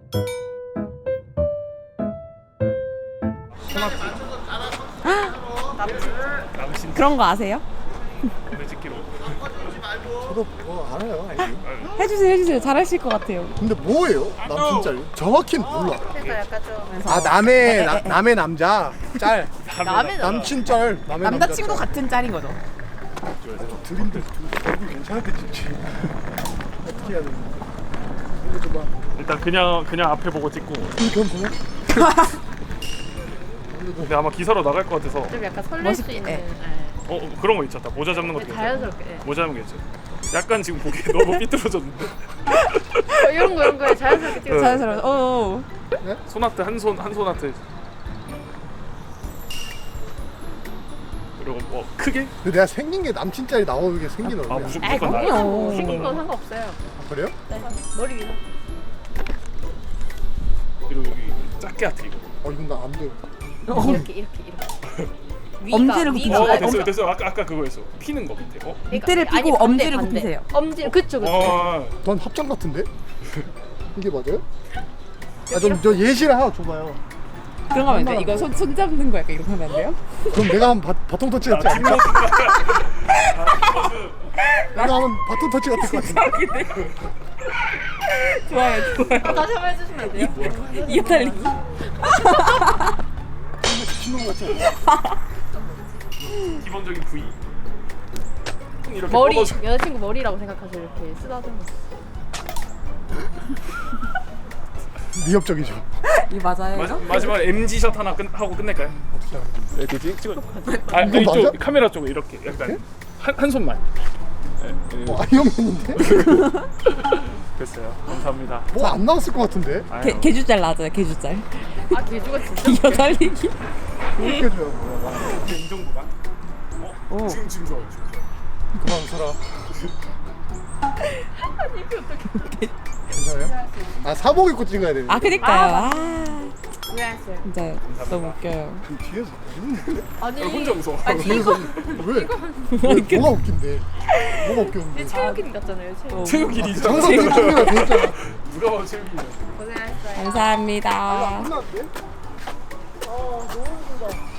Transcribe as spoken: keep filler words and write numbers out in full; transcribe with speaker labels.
Speaker 1: 남친
Speaker 2: 그런 거 아세요?
Speaker 1: 찍기로.
Speaker 3: 저도 뭐 알아요. 알지.
Speaker 2: 해주세요 해주세요 잘하실 것 같아요.
Speaker 3: 근데 뭐예요? 남친짤 정확히는 몰라.
Speaker 4: 그러니까 약간 좀
Speaker 3: 아 남의 나, 남의 남자 짤.
Speaker 4: 남의
Speaker 3: 남친짤 남의
Speaker 2: 남자친구
Speaker 3: 남자
Speaker 2: 같은 짤인 거죠.
Speaker 3: 짤. 드림들 얼굴 괜찮은데 진짜. 어떻게 해야 되나? 이거 봐.
Speaker 1: 일단 그냥 그냥 앞에 보고 찍고.
Speaker 3: 그럼 뭐야?
Speaker 1: 근데 아마 기사로 나갈 것 같아서.
Speaker 4: 좀 약간 설렐 수
Speaker 2: 멋있게,
Speaker 4: 있는
Speaker 2: 예.
Speaker 4: 예.
Speaker 1: 어 어, 그런 거 있었다. 모자 잡는 것도 괜찮아.
Speaker 4: 자연스럽게 예.
Speaker 1: 모자 잡는 게 괜찮아. 약간 지금 보기 너무 삐뚤어졌는데.
Speaker 4: 어, 이런 거 이런 거에 자연스럽게 찍어.
Speaker 2: 자연스러워. 어.
Speaker 1: 손아트 한 손 한 손아트. 그리고 뭐 크게?
Speaker 3: 근데 내가 생긴 게 남친짤이 나오게 생긴
Speaker 1: 아
Speaker 3: 얼굴이야.
Speaker 1: 무조건
Speaker 4: 아이
Speaker 1: 무조건 나야.
Speaker 4: 그럼요. 생긴 건 상관없어요.
Speaker 3: 아, 그래요?
Speaker 4: 네. 머리 위로.
Speaker 1: 그리고 여기 작게 하트 이거.
Speaker 3: 어 이건 나 안 돼.
Speaker 4: 이렇게 이렇게 이렇게.
Speaker 2: 엄지를
Speaker 4: 위가,
Speaker 2: 굽히세요.
Speaker 1: 어 됐어요 됐어요. 아까 아까 그거였어. 피는 거 밑에. 어?
Speaker 2: 밑에를
Speaker 4: 아니,
Speaker 2: 피고
Speaker 4: 반대,
Speaker 2: 엄지를
Speaker 4: 반대.
Speaker 2: 굽히세요.
Speaker 4: 엄지 그쵸 그쵸.
Speaker 1: 어.
Speaker 3: 넌 합장 같은데? 이게 맞아요? 아 좀 저 예시를 하나 줘봐요.
Speaker 2: 그런 거 하면 안 돼. 이거 손, 손 잡는 거 약간 이렇게 하면 안 돼요?
Speaker 3: 그럼 내가 하면 바, 바통 터치 같지 않을까? 내가 하면 바통 터치 같을 것 같은데.
Speaker 2: 좋아요 좋아요.
Speaker 4: 다시 한번 해주시면 안 돼요?
Speaker 2: 이어 달리기.
Speaker 3: 미친놈 같지 않아?
Speaker 1: 기본적인 부위. 이렇게
Speaker 4: 머리
Speaker 1: 뻗어줘.
Speaker 4: 여자친구 머리라고 생각하세요. 이렇게 쓰다듬어.
Speaker 3: 위협적이죠.
Speaker 2: 이 맞아요?
Speaker 1: 마, 마지막 엠지 샷 하나 끝, 하고 끝낼까요? 이렇게 찍 찍어. 아
Speaker 3: 이거
Speaker 1: 이쪽
Speaker 3: 맞아?
Speaker 1: 카메라 쪽에 이렇게 약간 한, 한 손만. 네, 네.
Speaker 3: 어, 아이언맨인데?
Speaker 1: 됐어요. 감사합니다.
Speaker 3: 뭐 안 나왔을 것 같은데?
Speaker 1: 아유,
Speaker 2: 개, 개주짤 나왔잖아요 개주짤.
Speaker 4: 아 개주가 진짜.
Speaker 2: 이어 달리기.
Speaker 3: 이렇게 해줘요. 뭐야.
Speaker 1: 이제 이 정도만. 어?
Speaker 2: 오.
Speaker 1: 지금 지금 좋아요. 지금 좋아요.
Speaker 3: 그만 웃어라.
Speaker 4: 아니 이게 어떻게?
Speaker 3: 괜찮아요? 아 사복 입고 찍어야 되는데.
Speaker 2: 아 그니까요. 아
Speaker 4: 왜하세요?
Speaker 2: 진짜 너무 웃겨요.
Speaker 3: 그 뒤에서 웃는데?
Speaker 4: 아니.
Speaker 1: 아, 혼자 웃어.
Speaker 4: 아니
Speaker 3: 뒤에서
Speaker 4: 이거
Speaker 3: 왜? 왜? 뭐가 웃긴데? 뭐가 웃겼는데?
Speaker 4: 체육인 같잖아요. 체육.
Speaker 1: 체육일이죠.
Speaker 3: 항상 그쪽이라 돼 있잖아.
Speaker 1: 누가 봐도 체육일이죠.
Speaker 4: 고생하셨어요.
Speaker 2: 감사합니다.
Speaker 3: 끝났는데? 아 너무 웃긴다.